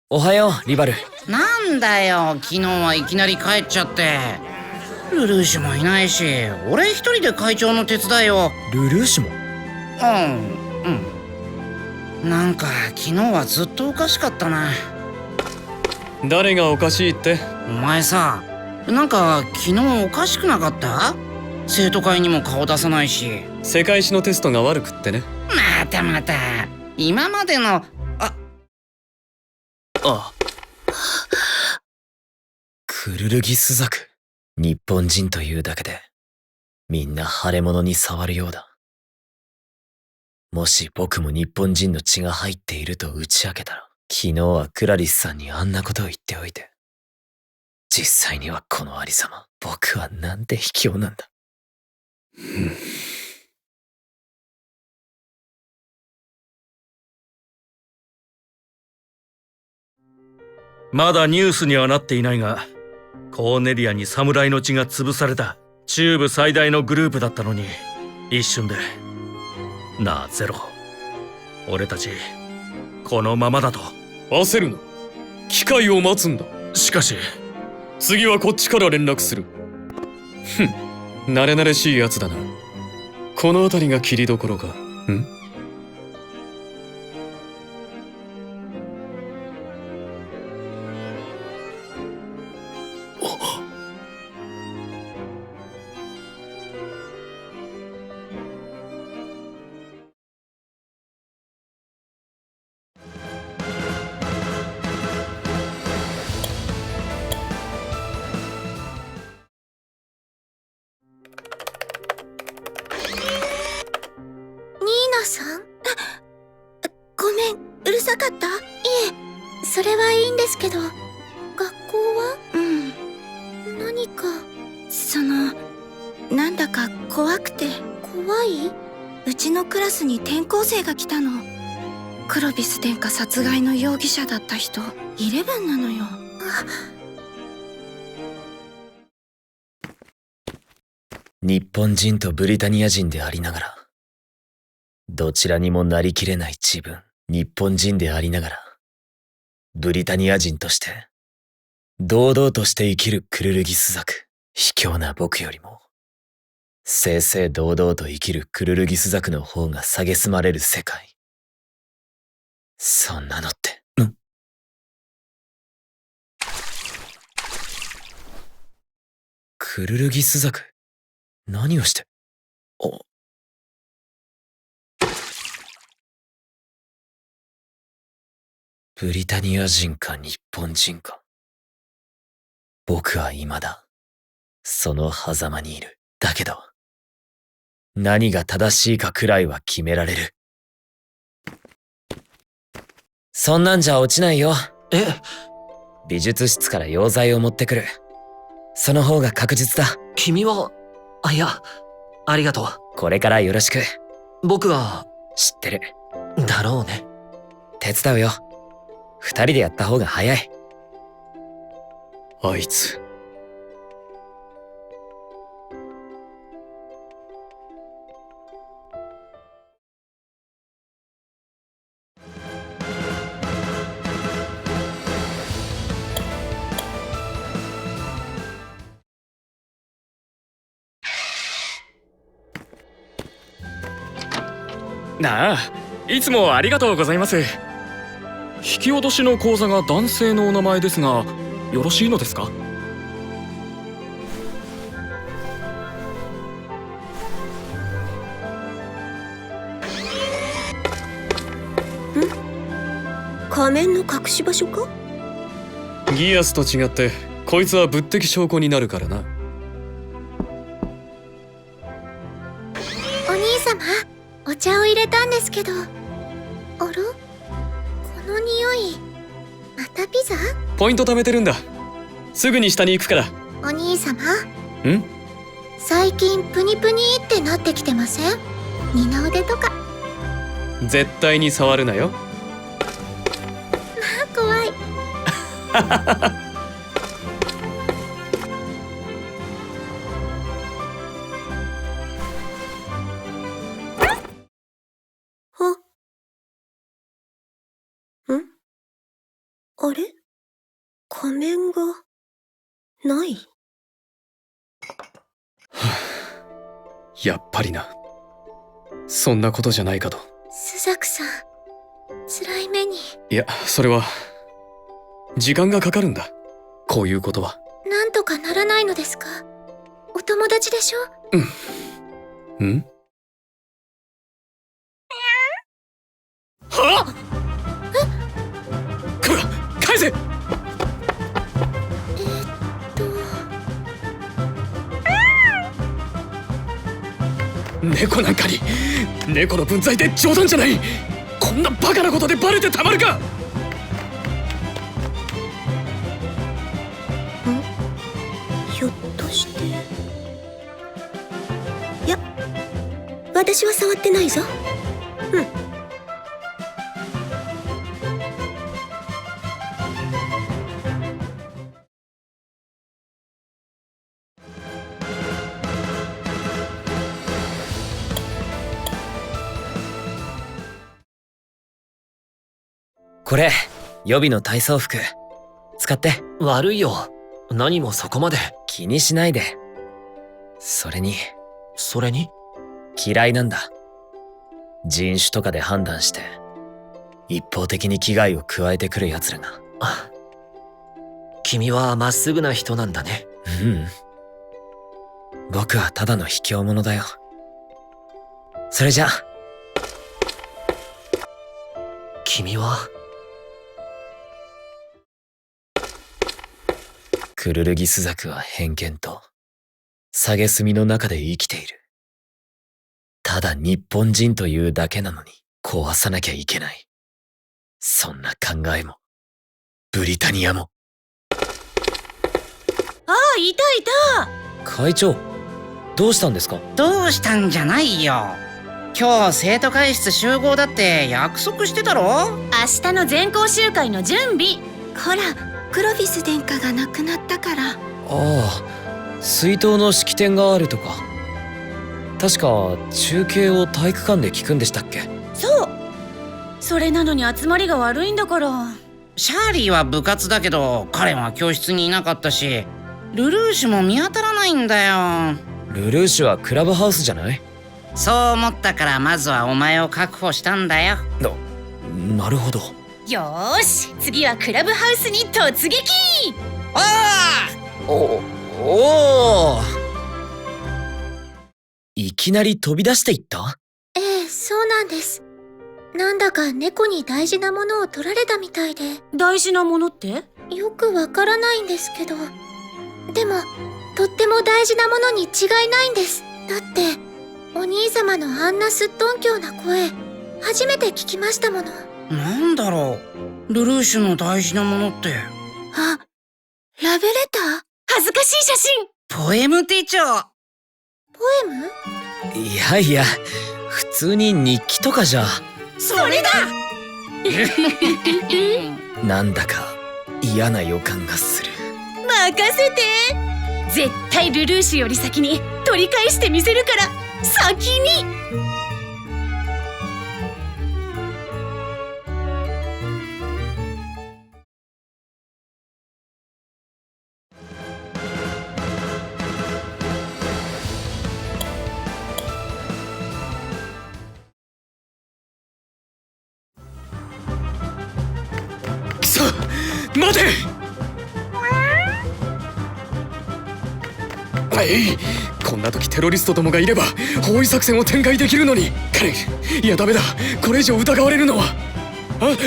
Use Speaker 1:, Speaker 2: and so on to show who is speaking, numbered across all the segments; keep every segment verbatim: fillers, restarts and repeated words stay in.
Speaker 1: おはよう、リバル。
Speaker 2: なんだよ、昨日はいきなり帰っちゃって。ルルーシュもいないし、俺一人で会長の手伝いを。
Speaker 1: ルルーシュも？
Speaker 2: うんうん。なんか昨日はずっとおかしかったな。
Speaker 3: 誰がおかしいって？
Speaker 2: お前さ、なんか昨日おかしくなかった？生徒会にも顔出さないし。
Speaker 3: 世界史のテストが悪くってね。
Speaker 2: またまた今までの。あ
Speaker 3: あ
Speaker 1: クルルギスザク。日本人というだけでみんな腫れ物に触るようだ。もし僕も日本人の血が入っていると打ち明けたら、昨日はクラリスさんにあんなことを言っておいて、実際にはこのありさま、僕はなんて卑怯なんだ。
Speaker 4: まだニュースにはなっていないが、コーネリアに侍の血が潰された中部最大のグループだったのに、一瞬で。なあゼロ、俺たちこのままだと。
Speaker 3: 焦るな。機会を待つんだ。
Speaker 4: しかし
Speaker 3: 次はこっちから連絡する。ふん、慣れ慣れしいやつだな。この辺りが切りどころか。ん？
Speaker 5: さん？ごめん、うるさかった？いえ、それはいいんですけど。学校は？うん。何か、その、なんだか怖くて。怖い？うちのクラスに転校生が来たの。クロビス殿下殺害の容疑者だった人、イレブンなのよ。
Speaker 1: 日本人とブリタニア人でありながら、どちらにもなりきれない自分、日本人でありながら、ブリタニア人として、堂々として生きるクルルギスザク、卑怯な僕よりも、正々堂々と生きるクルルギスザクの方が蔑まれる世界。そんなのって、ん？クルルギスザク、何をして、お、ブリタニア人か日本人か。僕は未だ、その狭間にいる。だけど、何が正しいかくらいは決められる。そんなんじゃ落ちないよ。
Speaker 6: え？
Speaker 1: 美術室から溶剤を持ってくる。その方が確実だ。
Speaker 6: 君は、あ、いや、ありがとう。
Speaker 1: これからよろしく。
Speaker 6: 僕は、
Speaker 1: 知ってる。
Speaker 6: だろうね。
Speaker 1: 手伝うよ。二人でやった方が早い。
Speaker 3: あいつ。
Speaker 7: なあ、いつもありがとうございます。引き落としの口座が男性のお名前ですが、よろしいのですか？ん？
Speaker 5: 仮面の隠し場所か？
Speaker 3: ギアスと違って、こいつは物的証拠になるからな。
Speaker 5: お兄様、お茶を入れたんですけど。あら？この匂い、またピザ？
Speaker 3: ポイント貯めてるんだ。すぐに下に行くから。
Speaker 5: お兄様。
Speaker 3: ん？
Speaker 5: 最近プニプニってなってきてません？二の腕とか。
Speaker 3: 絶対に触るなよ。
Speaker 5: まあ怖い。 あれ？仮面がない？
Speaker 3: やっぱりな。そんなことじゃないかと。
Speaker 5: スザクさん、辛い目に。
Speaker 3: いや、それは時間がかかるんだ。こういうことは。
Speaker 5: なんとかならないのですか？お友達でしょ？
Speaker 3: うん。ん？はっ！え？こら、返せ！
Speaker 5: えっと
Speaker 3: 猫なんかに、猫の分際で冗談じゃない。こんなバカなことでバレてたまるか。
Speaker 5: ひょっとして。いや、私は触ってないぞ。うん。
Speaker 1: これ、予備の体操服。使って。
Speaker 6: 悪いよ。何もそこまで。
Speaker 1: 気にしないで。それに、
Speaker 6: それに？
Speaker 1: 嫌いなんだ。人種とかで判断して、一方的に危害を加えてくる奴らが。
Speaker 6: あ、君はまっすぐな人なんだね。
Speaker 1: うん。僕はただの卑怯者だよ。それじゃ。
Speaker 6: 君は。
Speaker 1: クルルギスザクは偏見と蔑みの中で生きている。ただ日本人というだけなのに壊さなきゃいけない。そんな考えもブリタニアも。
Speaker 5: ああ、いたいた。
Speaker 1: 会長、どうしたんですか？
Speaker 2: どうしたんじゃないよ。今日生徒会室集合だって約束してたろ。
Speaker 5: 明日の全校集会の準備。ほら、クロフィス殿下が亡くなったから。
Speaker 1: ああ、追悼の式典があるとか。確か中継を体育館で聞くんでしたっけ？
Speaker 5: そう。それなのに集まりが悪いんだから。
Speaker 2: シャーリーは部活だけど彼は教室にいなかったし、ルルーシュも見当たらないんだよ。
Speaker 1: ルルーシュはクラブハウスじゃない？
Speaker 2: そう思ったからまずはお前を確保したんだよ。
Speaker 1: な、なるほど。
Speaker 5: よーし、次はクラブハウスに突撃。
Speaker 2: お
Speaker 1: お、おお。いきなり飛び出していった？
Speaker 5: ええ、そうなんです。なんだか猫に大事なものを取られたみたいで。
Speaker 8: 大事なものって？
Speaker 5: よくわからないんですけど。でも、とっても大事なものに違いないんです。だって、お兄様のあんなすっとんきょうな声、初めて聞きましたもの。
Speaker 2: なんだろう、ルルーシュの大事なものって。
Speaker 5: あ、ラブレター？
Speaker 8: 恥ずかしい写真。
Speaker 2: ポエム手帳。
Speaker 5: ポエム？
Speaker 1: いやいや、普通に日記とかじゃ。
Speaker 8: それだ。
Speaker 1: なんだか嫌な予感がする。
Speaker 8: 任せて。絶対ルルーシュより先に取り返してみせるから、先に。
Speaker 3: くそ、待て。はい、こんな時テロリストどもがいれば包囲作戦を展開できるのに。カレン、いやダメだ、これ以上疑われるのは。あ、ない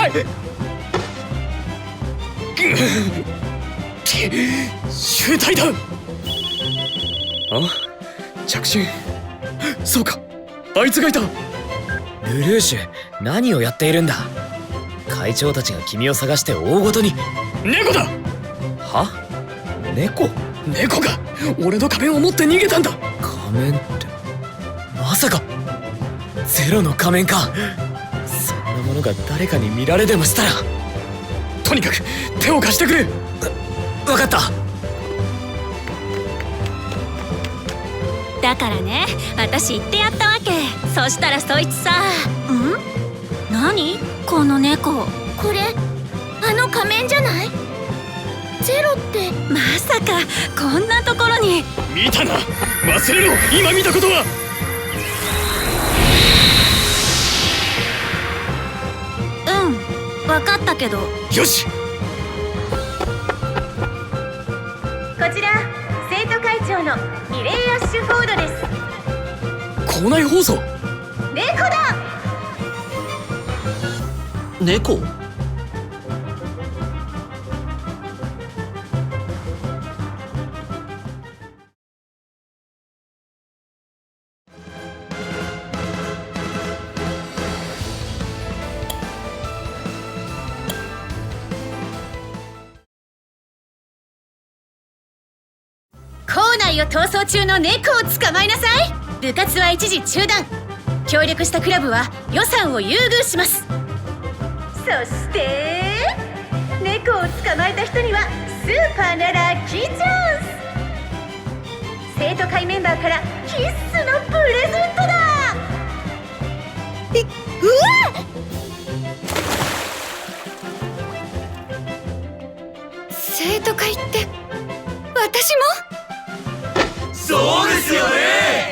Speaker 3: 集体だ。あ、着信。そうか、あいつがいた。
Speaker 1: ルルーシュ、何をやっているんだ？会長たちが君を探して大ごとに。
Speaker 3: 猫だ。
Speaker 1: は？猫？
Speaker 3: 猫が俺の仮面を持って逃げたんだ。
Speaker 1: 仮面って、まさかゼロの仮面か。そんなものが誰かに見られでもしたら。
Speaker 3: とにかく手を貸してくれ。
Speaker 1: わかった。
Speaker 8: だからね、私言ってやったわけ。そしたらそいつさ。ん？何？この猫。
Speaker 5: これ、あの仮面じゃない？ゼロって
Speaker 8: まさかこんなところに。
Speaker 3: 見たな、忘れろ、今見たことは。
Speaker 8: うん分かったけど。
Speaker 3: よし。
Speaker 8: こちら生徒会長のミレイ・アッシュフォードです。
Speaker 3: 校内放送。
Speaker 8: 猫だ。
Speaker 6: 猫？
Speaker 8: 校内を逃走中の猫を捕まえなさい。部活は一時中断。協力したクラブは予算を優遇します。そして猫を捕まえた人にはスーパーなラッキーチャンス。生徒会メンバーから必須のプレゼントだ。え、うわっ！生徒会って私も？
Speaker 4: そうですよね。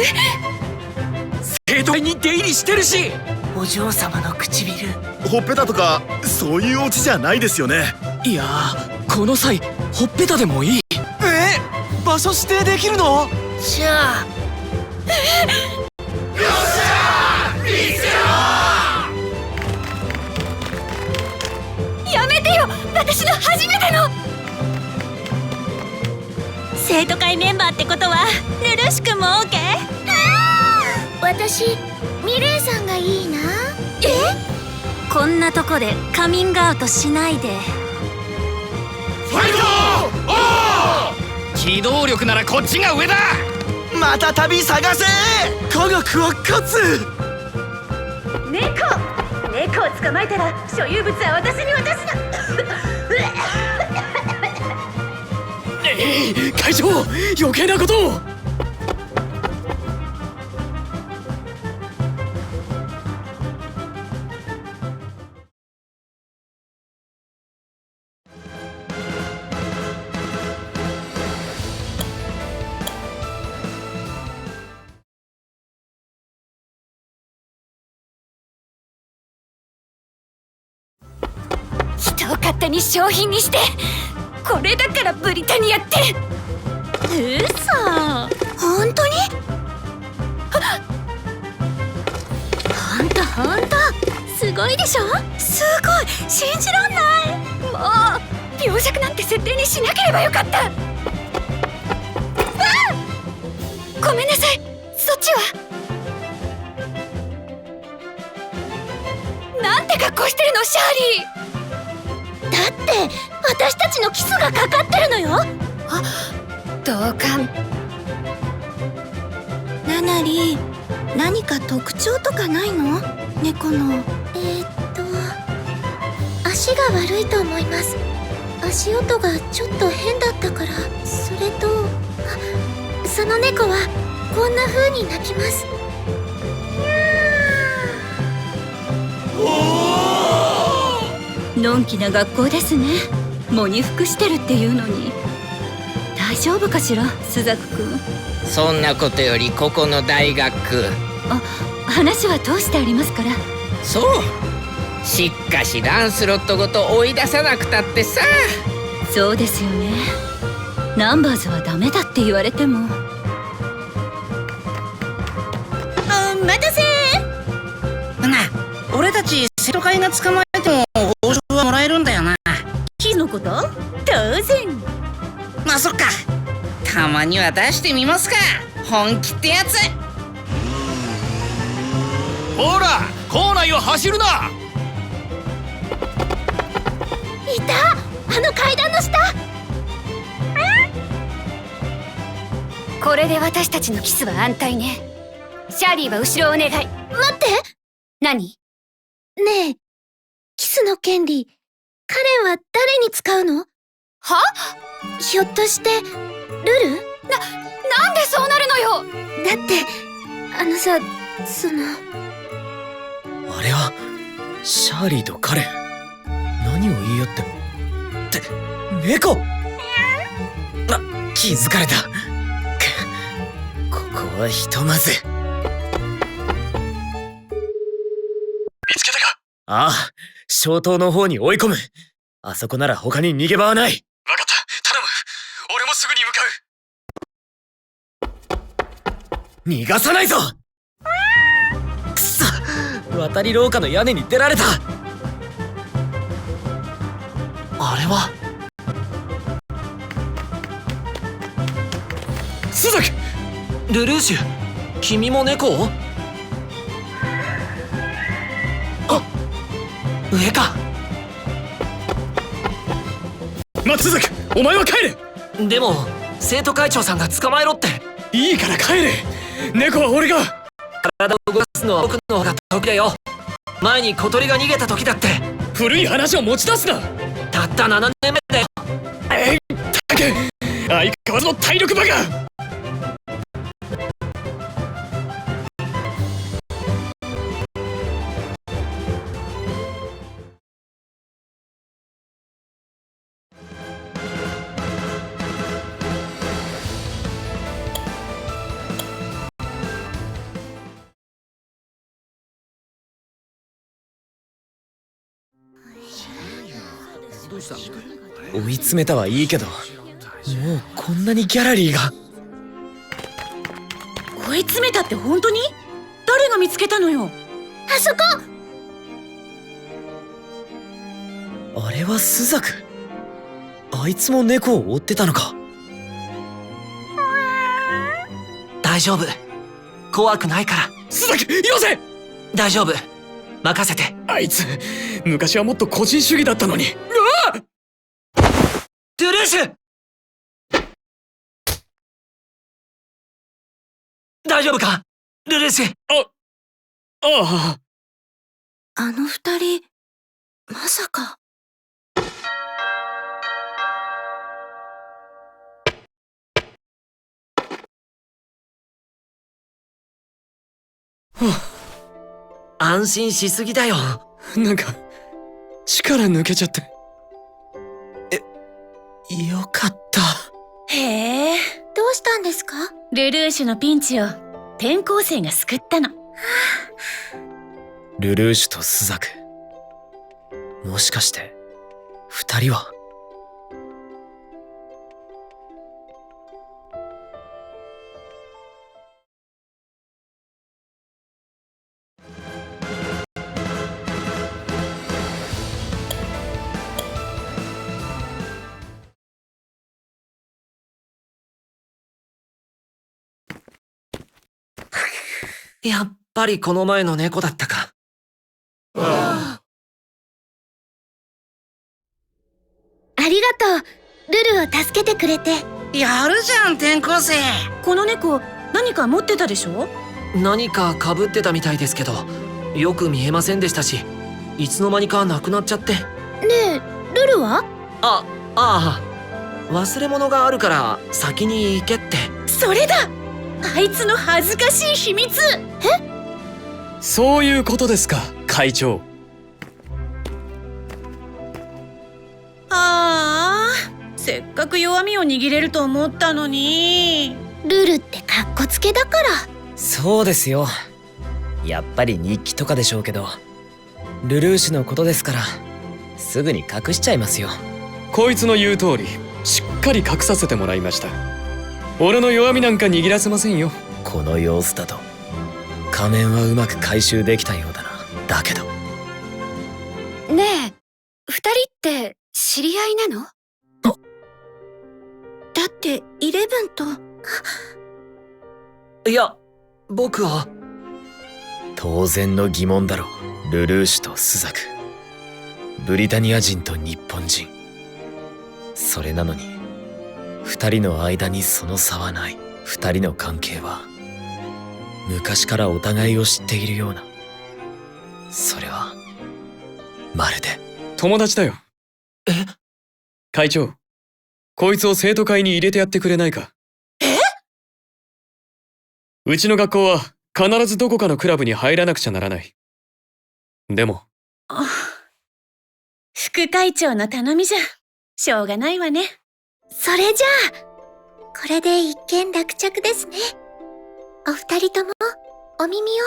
Speaker 4: 生徒会に出入りしてるし。
Speaker 2: お嬢様の唇。
Speaker 9: ほっぺたとかそういうオチじゃないですよね。
Speaker 7: いやー、この際ほっぺたでもいい。
Speaker 6: え？場所指定できるの？
Speaker 2: じゃあ
Speaker 8: やめてよ、私の初めての生徒会メンバーってことはルルシ君も オーケー？
Speaker 5: 私ミレイさんがいいな。
Speaker 8: え？こんなとこでカミングアウトしないで。
Speaker 4: ファイト！機動力ならこっちが上だ。
Speaker 6: また旅探せ。科学は勝つ。
Speaker 8: 猫猫を捕まえたら所有物は私に渡すな。
Speaker 3: ええ、会長、余計なことを。
Speaker 8: 人を勝手に商品にして、これだからブリタニアって。うそ。
Speaker 5: 本当に？
Speaker 8: ほんとほんとすごいでしょ。すごい、信じらんない。もう病弱なんて設定にしなければよかった。あ！ごめんなさい。そっちはなんて格好してるの、シャーリー。
Speaker 5: だって私たちのキスがかかってるのよ。
Speaker 8: あ、同感。
Speaker 5: ナナリ、何か特徴とかないの？猫の。えー、っと足が悪いと思います。足音がちょっと変だったから。それとあ、その猫はこんな風に鳴きます。
Speaker 8: のんきな学校ですね。喪に服してるっていうのに。大丈夫かしら、スザクくん。
Speaker 2: そんなことよりここの大学。
Speaker 8: あ、話は通してありますから。
Speaker 2: そう、しっかしランスロットごと追い出さなくたってさ。
Speaker 8: そうですよね。ナンバーズはダメだって言われても。お待たせ
Speaker 2: な、俺たち生徒会が捕まえても報酬はもらえるんだよな。
Speaker 8: キスのこと？当然。
Speaker 2: まあそっか、たまには出してみますか、本気ってやつ。
Speaker 4: ほら、校内を走るな。
Speaker 5: いた、あの階段の下。
Speaker 8: これで私たちのキスは安泰ね。シャーリーは後ろをお願い。
Speaker 5: 待って。
Speaker 8: 何？
Speaker 5: ねえ、キスの権利、カレンは誰に使うの？
Speaker 8: は？
Speaker 5: ひょっとしてルル？
Speaker 8: な、なんでそうなるのよ。
Speaker 5: だってあのさ、その
Speaker 3: あれはシャーリーとカレン。
Speaker 1: 何を言いよっても。って猫。あ、気づかれた。くここはひとまず。
Speaker 3: 見つけたか？
Speaker 1: ああ、小島の方に追い込む。あそこなら他に逃げ場はない。
Speaker 3: わかった、頼む。俺もすぐに向かう。
Speaker 1: 逃がさないぞ。くそ、渡り廊下の屋根に出られた。あれは
Speaker 3: スザク。
Speaker 6: ルルーシュ、君も猫を？あ、上か。
Speaker 3: 待つ、スザク、お前は帰れ。
Speaker 6: でも生徒会長さんが捕まえろって。
Speaker 3: いいから帰れ。猫は俺が。
Speaker 6: 体を動かすのは僕の方が得意だよ。前に小鳥が逃げた時だって。
Speaker 3: 古い話を持ち出すな。
Speaker 6: たったななねんめだよ。
Speaker 3: えいったけ、相変わらずの体力バカ。
Speaker 1: 追い詰めたはいいけど、もうこんなにギャラリーが。
Speaker 8: 追い詰めたって本当に？誰が見つけたのよ？
Speaker 5: あそこ。
Speaker 1: あれはスザク。あいつも猫を追ってたのか。
Speaker 6: 大丈夫、怖くないから。
Speaker 3: スザク、よせ。
Speaker 6: 大丈夫、任せて。
Speaker 3: あいつ昔はもっと個人主義だったのに。うわっ！
Speaker 6: トゥルーシュ、大丈夫かルルーシュ。
Speaker 3: あああ。
Speaker 5: あの二人、まさか。
Speaker 6: 安心しすぎだよ。
Speaker 3: なんか力抜けちゃって。
Speaker 1: よかった。
Speaker 8: へえ、
Speaker 5: どうしたんですか？
Speaker 8: ルルーシュのピンチを転校生が救ったの。
Speaker 1: ルルーシュとスザク、もしかして二人は。
Speaker 6: やっぱりこの前の猫だったか。
Speaker 5: ありがとう、ルルを助けてくれて。
Speaker 2: やるじゃん、転校生。
Speaker 8: この猫何か持ってたでしょ？
Speaker 6: 何か被ってたみたいですけど、よく見えませんでしたし、いつの間にかなくなっちゃって。
Speaker 5: ねえ、ルルは？
Speaker 6: あ、ああ、忘れ物があるから先に行けって。
Speaker 8: それだ！あいつの恥ずかしい秘密。え？
Speaker 3: そういうことですか、会長。
Speaker 8: ああ、せっかく弱みを握れると思ったのに。
Speaker 5: ルルってカッコつけだから。
Speaker 1: そうですよ。やっぱり日記とかでしょうけど、ルルーシュのことですからすぐに隠しちゃいますよ。
Speaker 3: こいつの言う通りしっかり隠させてもらいました。俺の弱みなんか握らせませんよ。
Speaker 1: この様子だと仮面はうまく回収できたようだな。だけど
Speaker 5: ねえ、二人って知り合いなの？だってイレブンと。
Speaker 6: いや、僕は。
Speaker 1: 当然の疑問だろう。ルルーシュとスザク、ブリタニア人と日本人。それなのに二人の間にその差はない。二人の関係は昔からお互いを知っているような。それはまるで
Speaker 3: 友達だよ。
Speaker 6: え？
Speaker 3: 会長、こいつを生徒会に入れてやってくれないか。
Speaker 8: え？
Speaker 3: うちの学校は必ずどこかのクラブに入らなくちゃならない。でも
Speaker 8: あ、副副会長の頼みじゃしょうがないわね。
Speaker 5: それじゃあこれで一件落着ですね。お二人ともお耳を。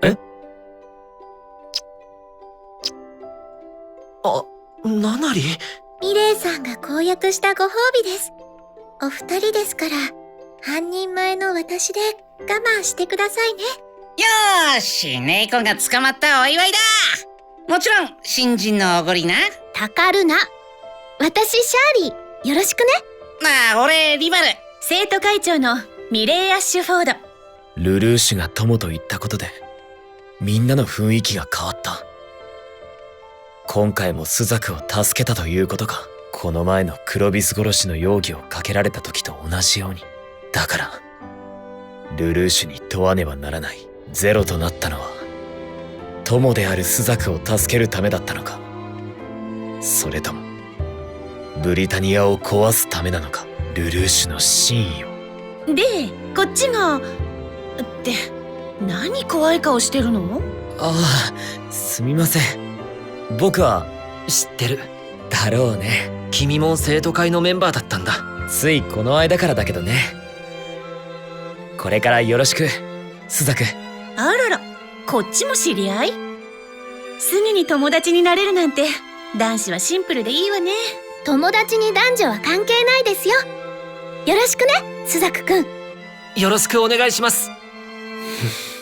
Speaker 6: あ、ナナリ？
Speaker 5: ミレイさんが公約したご褒美です。お二人ですから半人前の私で我慢してくださいね。
Speaker 2: よーし、猫が捕まったお祝いだ。もちろん新人のおごりな。
Speaker 5: たかるな。私シャーリー、よろしくね。
Speaker 2: まあ俺リバル。
Speaker 8: 生徒会長のミレイ・アッシュフォード。
Speaker 1: ルルーシュが友と言ったことで、みんなの雰囲気が変わった。今回もスザクを助けたということか。この前のクロビス殺しの容疑をかけられた時と同じように。だから、ルルーシュに問わねばならない。ゼロとなったのは、友であるスザクを助けるためだったのか。それとも、ブリタニアを壊すためなのか。ルルーシュの真意を。
Speaker 8: で、こっちがって何怖い顔してるの？
Speaker 1: ああ、すみません。僕は
Speaker 6: 知ってる。
Speaker 1: だろうね。
Speaker 6: 君も生徒会のメンバーだったんだ。
Speaker 1: ついこの間からだけどね。これからよろしく、スザク。
Speaker 8: あらら、こっちも知り合い？すぐに友達になれるなんて男子はシンプルでいいわね。
Speaker 5: 友達に男女は関係ないですよ。よろしくね、スザクくん。
Speaker 6: よろしくお願いします。